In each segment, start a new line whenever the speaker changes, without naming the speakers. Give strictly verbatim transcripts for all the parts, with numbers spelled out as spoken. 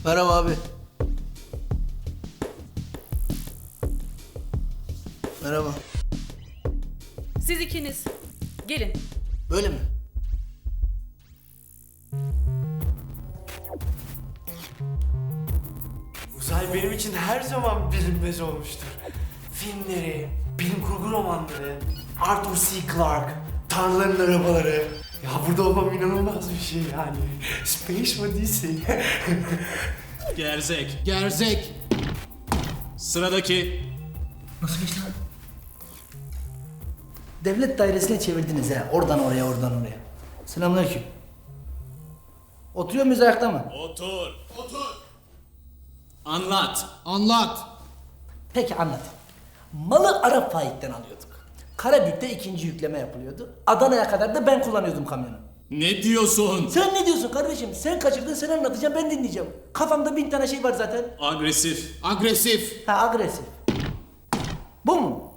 Merhaba abi. Merhaba.
Siz ikiniz gelin.
Böyle mi?
Uzay benim için her zaman bilinmez olmuştur. Filmleri, bilim kurgu romanları, Arthur C. Clarke, Tanrıların Arabaları. Ya burada olmam inanılmaz bir şey yani. Space Odyssey.
Gerzek.
Gerzek.
Sıradaki.
Nasıl geçti abi? Devlet dairesine çevirdiniz ha. Oradan oraya, oradan oraya. Selamünaleyküm. Oturuyor muyuz ayakta mı?
Otur. Otur. Anlat.
Anlat. Peki anlat. Malı Arap Faik'ten alıyorduk. Karabük'te ikinci yükleme yapılıyordu. Adana'ya kadar da ben kullanıyordum kamyonu.
Ne diyorsun?
Sen ne diyorsun kardeşim? Sen kaçırdın, sen anlatacaksın, ben dinleyeceğim. Kafamda bin tane şey var zaten.
Agresif.
Agresif. Ha, agresif. Bu mu?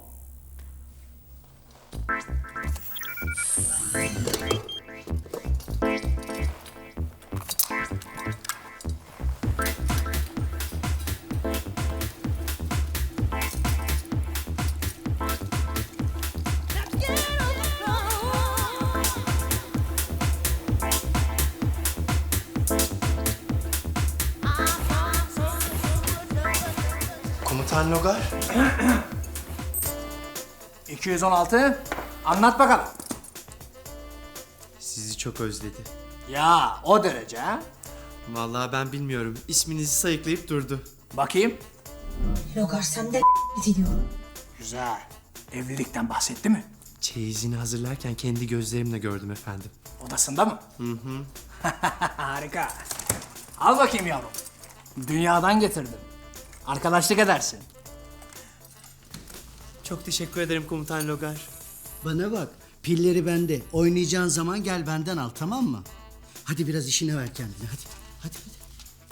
Komutan Logar.
iki yüz on altı. Anlat bakalım.
Sizi çok özledi.
Ya o derece ha?
Vallahi ben bilmiyorum. İsminizi sayıklayıp durdu.
Bakayım.
Logar sen de gidiyor.
Güzel. Evlilikten bahsetti mi?
Çeyizini hazırlarken kendi gözlerimle gördüm efendim.
Odasında mı? Hı hı. Harika. Al bakayım yavrum. Dünyadan getirdim. Arkadaşlık edersin.
Çok teşekkür ederim Komutan Logar.
Bana bak, pilleri bende. Oynayacağın zaman gel benden al, tamam mı? Hadi biraz işine ver kendine, hadi. Hadi, hadi.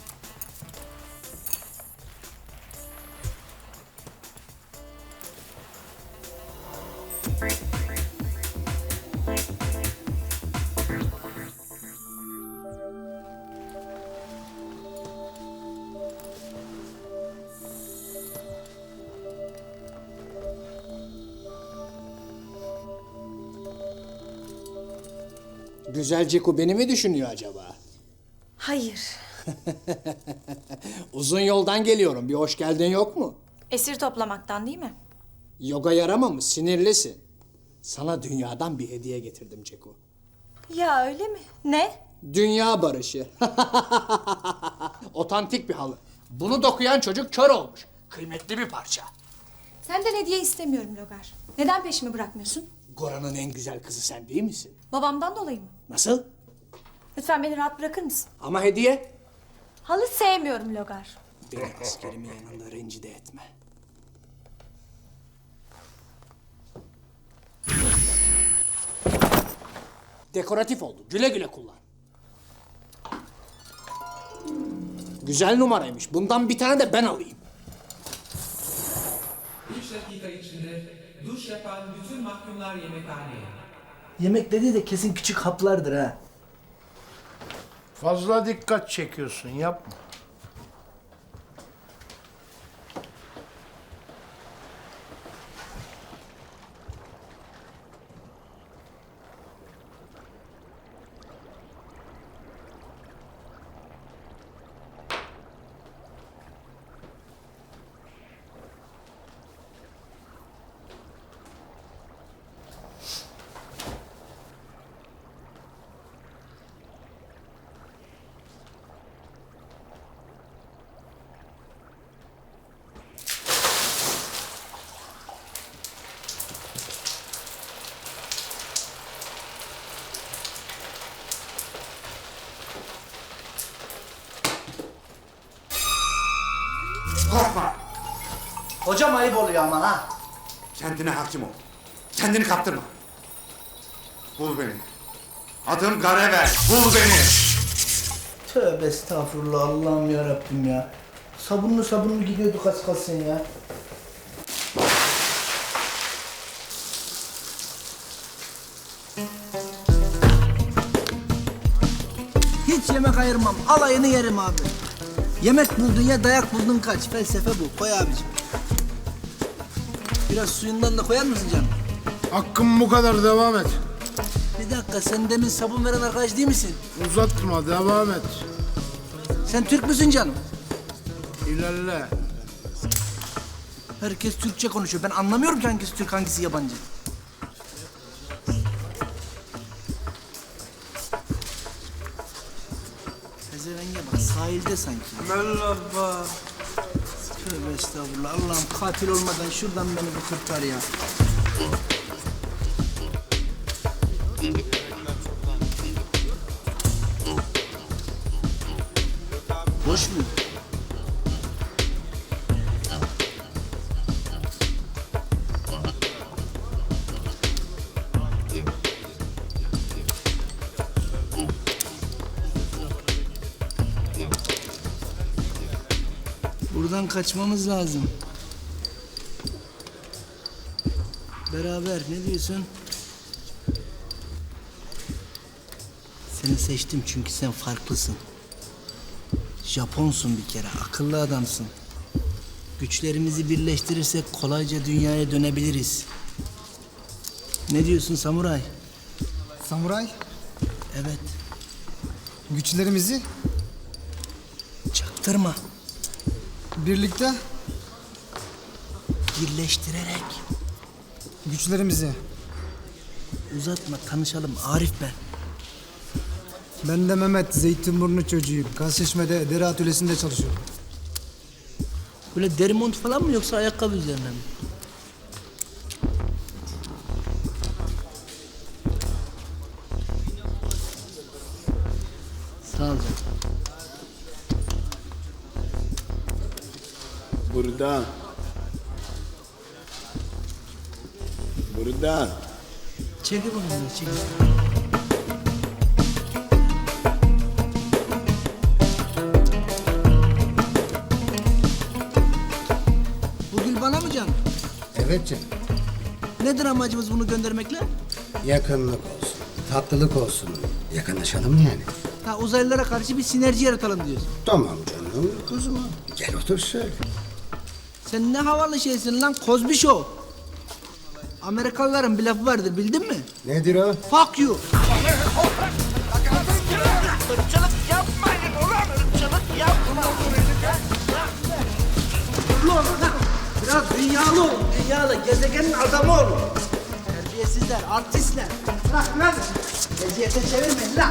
Güzel Ciku beni mi düşünüyor acaba?
Hayır.
Uzun yoldan geliyorum. Bir hoş geldin yok mu?
Esir toplamaktan değil mi?
Yoga yaramamış, sinirlisin. Sana dünyadan bir hediye getirdim Ciku.
Ya öyle mi? Ne?
Dünya barışı. Otantik bir halı. Bunu dokuyan çocuk kör olmuş. Kıymetli bir parça.
Senden hediye istemiyorum Logar. Neden peşimi bırakmıyorsun?
Goran'ın en güzel kızı sen değil misin?
Babamdan dolayı mı?
Nasıl?
Lütfen beni rahat bırakır mısın?
Ama hediye.
Halı sevmiyorum Logar.
Beni askerimin yanında rencide etme. Dekoratif oldu. Güle güle kullan. Güzel numaraymış. Bundan bir tane de ben alayım.
üç dakika içinde duş yapan bütün mahkumlar yemekhaneye.
Yemek dediği de kesin küçük haplardır ha.
Fazla dikkat çekiyorsun, yapma. Korkma.
Hocam ayıp oluyor ama ha.
Kendine hakim ol. Kendini kaptırma. Bul beni. Adım Garevel. Bul beni.
Tövbe estağfurullah, Allah'ım ya Rabbim ya. Sabunlu sabunlu gidiyorduk az kalsın ya.
Hiç yemek ayırmam. Alayını yerim abi.
Yemek buldun ya dayak buldun kaç. Felsefe bu. Koy abicim. Biraz suyundan da koyar mısın canım?
Hakkım bu kadar, devam et.
Bir dakika sen demin sabun veren arkadaş değil misin?
Uzatma, devam et.
Sen Türk müsün canım?
İlerle.
Herkes Türkçe konuşuyor. Ben anlamıyorum ki hangisi Türk hangisi yabancı. Pezevenge bak sahilde sanki.
Merhaba.
Tövbe estağfurullah. Allah'ım katil olmadan şuradan beni bir kurtar ya. Boş mu? Buradan kaçmamız lazım. Beraber ne diyorsun? Seni seçtim çünkü sen farklısın. Japonsun bir kere, akıllı adamsın. Güçlerimizi birleştirirsek kolayca dünyaya dönebiliriz. Ne diyorsun samuray?
Samuray,
Evet,
güçlerimizi
çaktırma.
birlikte,
Birleştirerek.
güçlerimizi.
Uzatma, tanışalım. Arif ben.
Ben de Mehmet, Zeytinburnu çocuğuyum. Kasışme'de deri atölyesinde çalışıyorum.
Böyle deri mont falan mı yoksa ayakkabı üzerine mi? Sağ ol canım.
Burada. Burada.
Çekil bunu, çekil. Bu gül bana mı canım?
Evet canım.
Nedir amacımız bunu göndermekle?
Yakınlık olsun, tatlılık olsun. Yakınlaşalım yani.
Ha, uzaylılara karşı bir sinerji yaratalım diyorsun.
Tamam canım kuzum. Gel otur şöyle.
Sen ne havalı şeysin lan, Cosby Show. Amerikalıların bir lafı vardır, bildin mi?
Nedir o?
Fuck you. Ulan lan, biraz dünyalı olun, dünyalı, gezegenin adamı olun. Terbiyesizler, artistler. Bırak lan, eziyete çevirmeyin lan.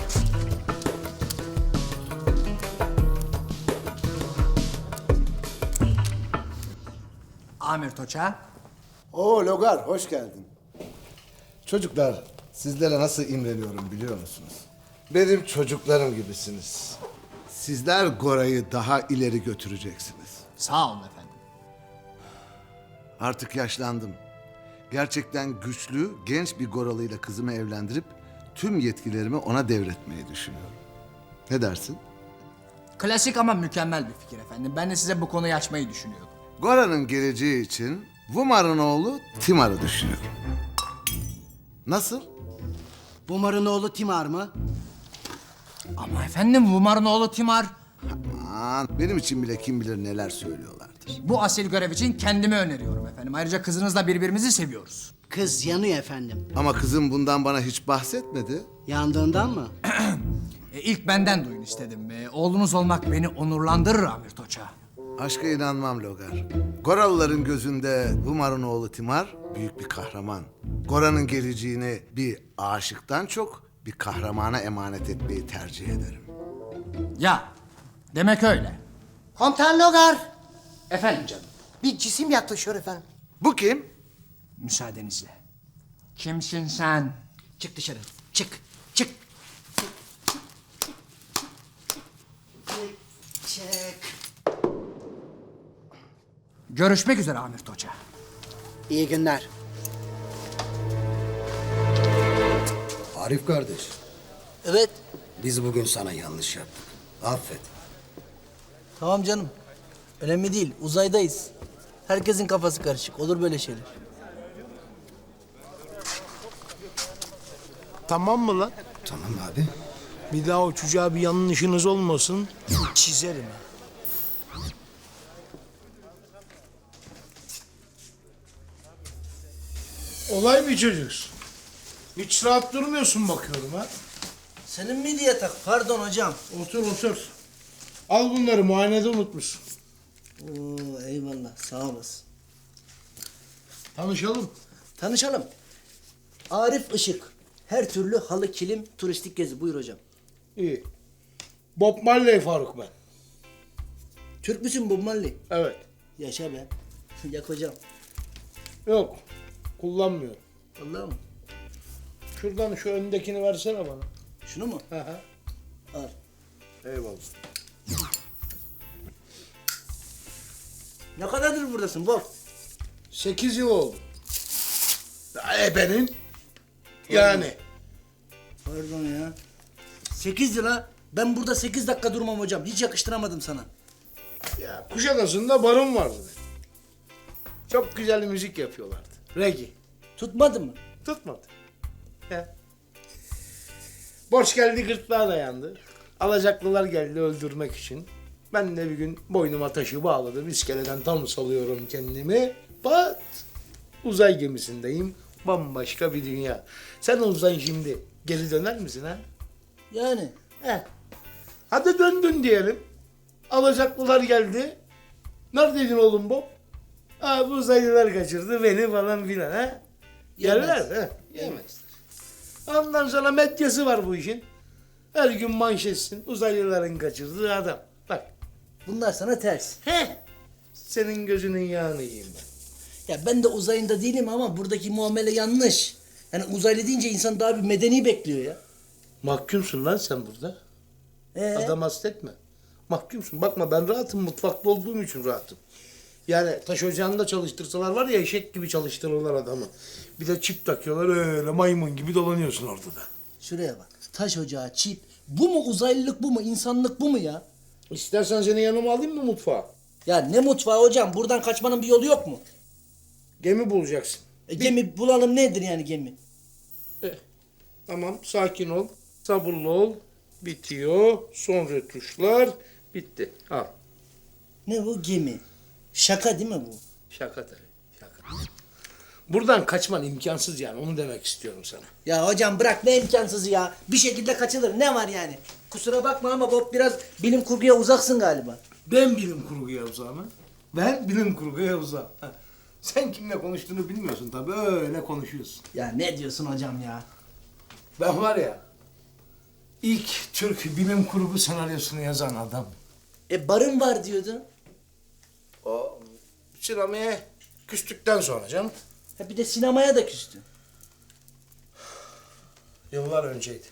Amir Toça.
Oo Logar, hoş geldin. Çocuklar, sizlere nasıl imreniyorum biliyor musunuz? Benim çocuklarım gibisiniz. Sizler Gora'yı daha ileri götüreceksiniz.
Sağ olun efendim.
Artık yaşlandım. Gerçekten güçlü, genç bir Goralıyla kızımı evlendirip tüm yetkilerimi ona devretmeyi düşünüyorum. Ne dersin?
Klasik ama mükemmel bir fikir efendim. Ben de size bu konuyu açmayı düşünüyordum.
Gora'nın geleceği için Vumar'ın oğlu Timar'ı düşünüyorum. Nasıl?
Bumar'ın oğlu Timar mı?
Ama efendim Vumar'ın oğlu Timar
Aman, benim için bile kim bilir neler söylüyorlardır.
bu asil görev için kendimi öneriyorum efendim. Ayrıca kızınızla birbirimizi seviyoruz.
Kız yanıyor efendim.
Ama kızım bundan bana hiç bahsetmedi.
Yandığından mı?
E, ilk benden duyun istedim. E, oğlunuz olmak beni onurlandırır Amir Toça.
Aşka inanmam Logar. Goralıların gözünde Vumar'ın oğlu Timar büyük bir kahraman. Gora'nın geleceğini bir aşıktan çok bir kahramana emanet etmeyi tercih ederim.
Ya demek öyle.
Komutan Logar.
Efendim canım.
Bir cisim yaklaşıyor efendim.
Bu kim?
Müsaadenizle. Kimsin sen?
Çık dışarı. Çık. Çık. Çık.
Görüşmek üzere Amir Toça.
İyi günler.
Arif kardeş,
Evet.
biz bugün sana yanlış yaptık. Affet.
Tamam canım. Önemli değil. Uzaydayız. Herkesin kafası karışık. Olur böyle şeyler.
Tamam mı lan?
Tamam abi.
Bir daha o çocuğa bir yanlışınız olmasın. Çizerim ha. Olay bir çocuksun. Hiç rahat durmuyorsun bakıyorum ha.
Senin miydi yatak? Pardon hocam.
Otur otur. Al bunları muayenede unutmuşsun.
Oo, eyvallah sağ olasın.
Tanışalım.
Tanışalım. Arif Işık. Her türlü halı, kilim, turistik gezi. Buyur hocam.
İyi. Bob Marley Faruk ben.
Türk müsün Bob Marley?
Evet.
Yaşa be. Yak hocam.
Yok. Kullanmıyorum.
Vallahi mı?
Şuradan şu öndekini versene bana.
Şunu mu?
Hı hı.
Al.
Eyvallah.
Ne kadardır buradasın Bob?
Sekiz yıl oldu. Ebenin. Yani.
Pardon ya. Sekiz yıl ha. Ben burada sekiz dakika durmam hocam. Hiç yakıştıramadım sana.
Ya Kuşadası'nda barım vardı. Çok güzel müzik yapıyorlardı. Reggae.
Tutmadı mı?
Tutmadı. Ya. Borç geldi gırtlağa dayandı. Alacaklılar geldi öldürmek için. Ben de bir gün boynuma taşı bağladım. İskeleden tam salıyorum kendimi. Pat! Uzay gemisindeyim. Bambaşka bir dünya. Sen olsan şimdi geri döner misin ha?
Yani.
He. Hadi döndün diyelim. Alacaklılar geldi. Neredeydin oğlum Bob? Ha bu uzaylılar kaçırdı beni falan filan ha. Yerler ha. Yemezler. Ondan sonra medyası var bu işin. Her gün manşetsin. Uzaylıların kaçırdığı adam. Bak.
Bunlar sana ters.
He. Senin gözünün yağını yiyeyim ben.
Ya ben de uzayında değilim ama buradaki muamele yanlış. Yani uzaylı deyince insan daha bir medeni bekliyor ya.
Mahkumsun lan sen burada.
Ee?
Adam hastetme. Mahkumsun. Bakma ben rahatım. Mutfakta olduğum için rahatım. Yani taş ocağında çalıştırsalar var ya eşek gibi çalıştırırlar adamı. Bir de çip takıyorlar öyle maymun gibi dolanıyorsun orada da.
Şuraya bak. Taş ocağı, çip. Bu mu uzaylılık bu mu? İnsanlık bu mu ya?
İstersen seni yanıma alayım mı mutfağa?
Ya ne mutfağı hocam? Buradan kaçmanın bir yolu yok mu?
Gemi bulacaksın.
E, gemi bulalım nedir yani gemi?
Eh, tamam sakin ol. Sabırlı ol. Bitiyor. Son retuşlar. Bitti. Al.
Ne bu gemi? Şaka değil mi bu?
Şaka tabii. Şaka. Buradan kaçman imkansız yani. Onu demek istiyorum sana.
Ya hocam bırak ne imkansızı ya. Bir şekilde kaçılır. Ne var yani? Kusura bakma ama Bob biraz bilim kurguya uzaksın galiba.
Ben bilim kurguya uzağım ha. Ben bilim kurguya uzağım. Ha. Sen kimle konuştuğunu bilmiyorsun tabii. Öyle konuşuyorsun.
Ya ne diyorsun hocam ya?
Ben var ya, ilk Türk bilim kurgu senaryosunu yazan adam.
E barın var diyordun.
O sinemaya küstükten sonra canım.
Ha bir de sinemaya da küstün.
Yıllar önceydi.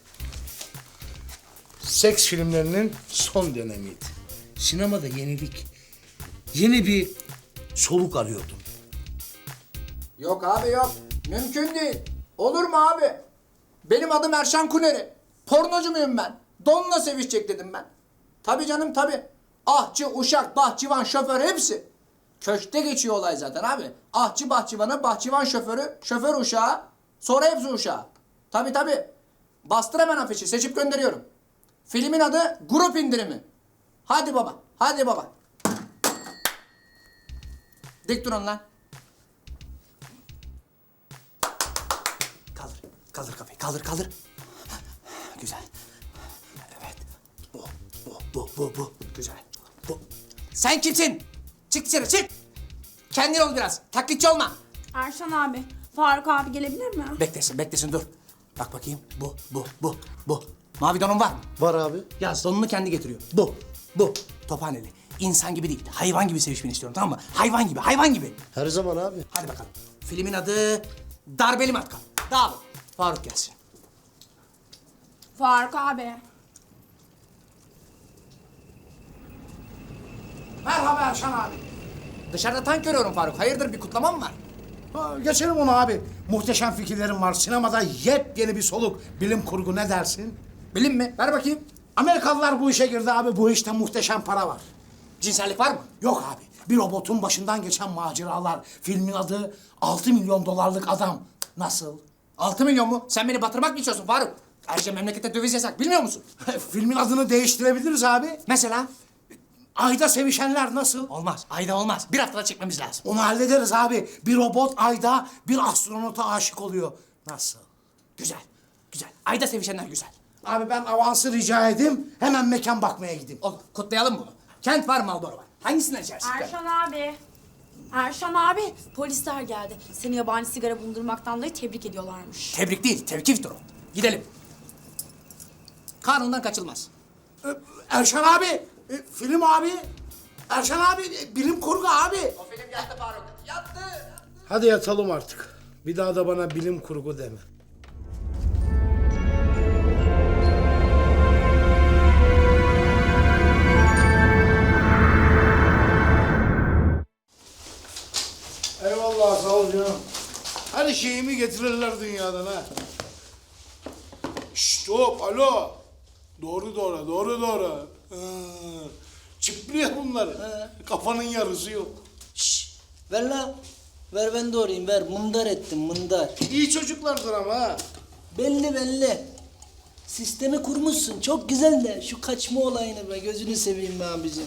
Seks filmlerinin son dönemiydi. Sinemada yenilik. Yeni bir soluk arıyordum.
Yok abi yok. Mümkün değil. Olur mu abi? Benim adım Erşan Kuneri. Pornocu muyum ben? Donla sevişecek dedim ben. Tabii canım tabii. Ahçı, uşak, bahçıvan, şoför hepsi. Köşkte geçiyor olay zaten abi. Ahçı bahçıvanı, bahçıvan şoförü, şoför uşağı, sonra hepsi uşağı. Tabii tabii. Bastır hemen afişi, seçip gönderiyorum. Filmin adı Grup İndirimi. Hadi baba, hadi baba. Dik durun lan.
Kaldır. Kaldır kafayı. Kaldır kaldır. Güzel. Evet. Bu. Bu. Bu. Bu. Bu. Güzel. Bu.
Sen kimsin? Çık dışarı çık. Kendin ol biraz. Taklitçi olma.
Erşan abi, Faruk abi gelebilir mi?
Beklesin beklesin dur. Bak bakayım. Bu. Bu. Bu. Bu. Mavi donun var mı?
Var abi.
Yaz donunu kendi getiriyor. Bu. Bu. Tophaneli. İnsan gibi değil. Hayvan gibi sevişmeni istiyorum tamam mı? Hayvan gibi. Hayvan gibi.
Her zaman abi.
Hadi bakalım. Filmin adı Darbeli Matkap. Dağılın. Faruk gelsin.
Faruk abi.
Merhaba Erşan abi. Dışarıda tank görüyorum Faruk. Hayırdır bir kutlama mı var?
Ha, geçelim onu abi. Muhteşem fikirlerim var. Sinemada yepyeni bir soluk. Bilim kurgu ne dersin?
Bilim mi? Ver bakayım.
Amerikalılar bu işe girdi abi. Bu işte muhteşem para var.
Cinsellik var mı?
Yok abi. Bir robotun başından geçen maceralar. Filmin adı altı milyon dolarlık adam. Nasıl?
Altı milyon mu? Sen beni batırmak mı istiyorsun Faruk? Ayrıca memlekette döviz yasak bilmiyor musun?
Filmin adını değiştirebiliriz abi.
Mesela?
Ayda sevişenler nasıl?
Olmaz. Ayda olmaz. Bir haftada çekmemiz lazım.
Onu hallederiz abi. Bir robot ayda bir astronota aşık oluyor. Nasıl?
Güzel. Güzel. Ayda sevişenler güzel.
Abi ben avansı rica edeyim. Hemen mekan bakmaya gideyim.
Olur. Kutlayalım bunu. Kent var, Marlboro var. Hangisinden içersin?
Erşan abi. Erşan abi, polisler geldi. Seni yabani sigara bulundurmaktan dolayı tebrik ediyorlarmış.
Tebrik değil, tevkiftir o. Gidelim. Kanundan kaçılmaz.
Ee, Erşan abi, e, film abi. Erşan abi, e, bilim kurgu abi.
O film yattı Faruk. Yattı.
Hadi yatalım artık. Bir daha da bana bilim kurgu deme. Eyvallah, sağ ol canım. Her şeyimi getirirler dünyadan ha. Şşt hop, alo. Doğru doğru, doğru doğru. Ha. Çıplıyor bunlar. Ha. Kafanın yarısı yok.
Şşş. Ver lan. Ver ben doğrayayım ver. Mındar ettim mındar.
İyi çocuklardır ama ha.
Belli belli. Sistemi kurmuşsun. Çok güzel de şu kaçma olayını be. Gözünü seveyim be abicim.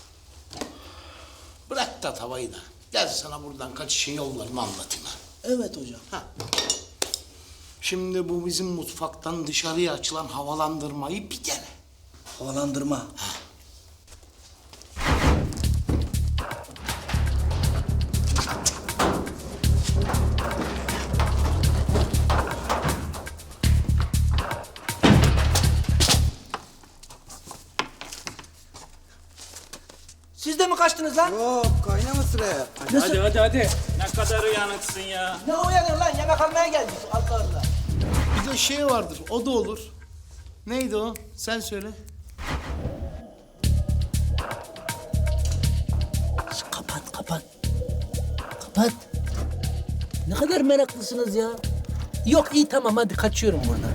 Bırak da tavayı da. Gel sana buradan kaçışın yollarını anlatayım ha.
Evet hocam.
Ha. Şimdi bu bizim mutfaktan dışarıya açılan havalandırmayı bir dene.
Havalandırma.
Ha.
Siz de mi kaçtınız lan?
Yok kaynama sıraya.
Nasıl?
Hadi hadi hadi. Ne kadar uyanıksın ya.
Ne uyanır lan? Yemek almaya geldik. Allah Allah.
Bir de şey vardır, o da olur. Neydi o? Sen söyle.
Kapat kapat. Kapat. Ne kadar meraklısınız ya. Yok iyi tamam hadi kaçıyorum buradan.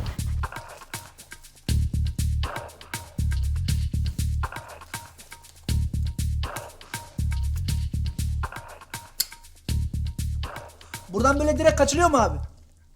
Buradan böyle direkt kaçılıyor mu abi?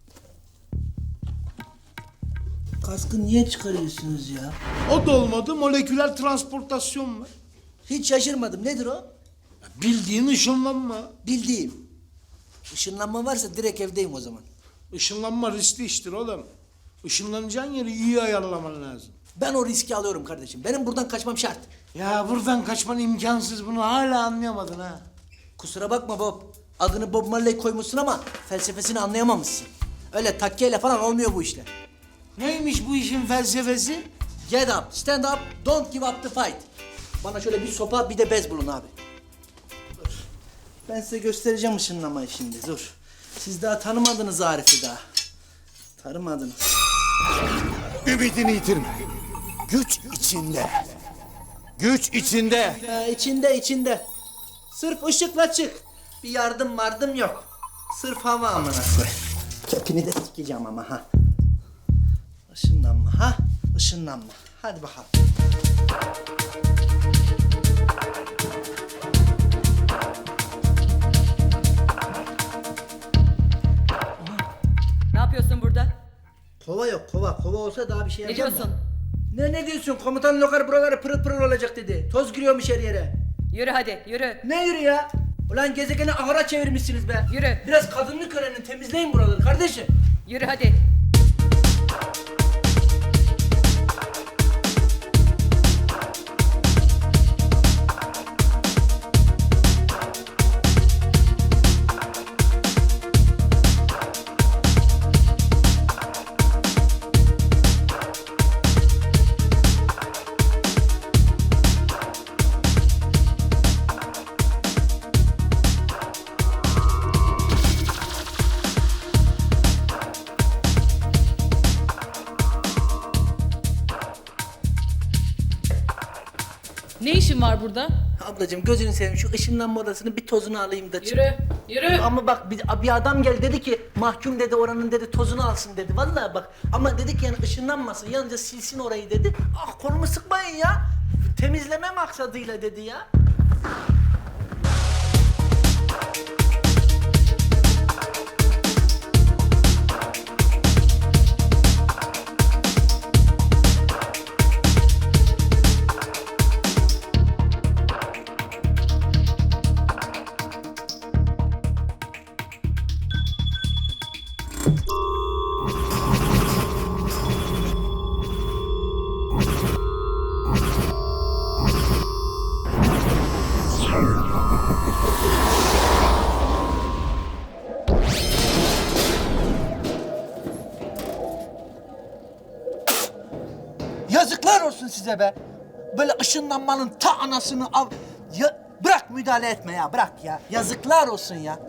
Kaskı niye çıkarıyorsunuz ya?
O da olmadı, moleküler transportasyon mu?
Hiç şaşırmadım. Nedir o?
Bildiğin ışınlanma.
Bildiğim. Işınlanma varsa direkt evdeyim o zaman.
Işınlanma riskli iştir oğlum. Işınlanacağın yeri iyi ayarlaman lazım.
Ben o riski alıyorum kardeşim. Benim buradan kaçmam şart.
Ya buradan kaçman imkansız, bunu hala anlayamadın ha.
Kusura bakma Bob. Adını Bob Marley koymuşsun ama felsefesini anlayamamışsın. Öyle takkeyle falan olmuyor bu işler.
Neymiş bu işin felsefesi?
Get up, stand up, don't give up the fight. Bana şöyle bir sopa bir de bez bulun abi. Dur. Ben size göstereceğim ışınlamayı şimdi dur. Siz daha tanımadınız Arif'i daha. Tanımadınız.
Ümidini yitirme. Güç içinde. Güç içinde.
Ha, içinde içinde. Sırf ışıkla çık. Bir yardım vardım yok. Sırf hava amına koy. Kepini de sikeceğim ama ha. Işınlanma ha. Işınlanma. Hadi bakalım.
Ne yapıyorsun burada?
Kova yok kova. Kova olsa daha bir şey
Ne
yapacağım
diyorsun?
da. Ne ne diyorsun? Komutan Lokar buraları pırıl pırıl olacak dedi. Toz giriyormuş her yere.
Yürü hadi yürü.
Ne yürü ya? Ulan gezegeni ahıra çevirmişsiniz be.
Yürü.
Biraz kadınlık öğrenin, temizleyin buraları kardeşim.
Yürü hadi. Ne işin var burada?
Ablacığım gözünü seveyim şu ışınlanma odasının bir tozunu alayım da çık.
Yürü, yürü.
Ama bak bir, bir adam geldi dedi ki mahkum dedi oranın dedi tozunu alsın dedi. Vallahi bak ama dedik yani ışınlanmasın yalnızca silsin orayı dedi. Ah kolumu sıkmayın ya. Temizleme maksadıyla dedi ya. size be. Böyle ışınlanmanın ta anasını av... Ya, bırak müdahale etme ya, bırak ya. Yazıklar olsun ya.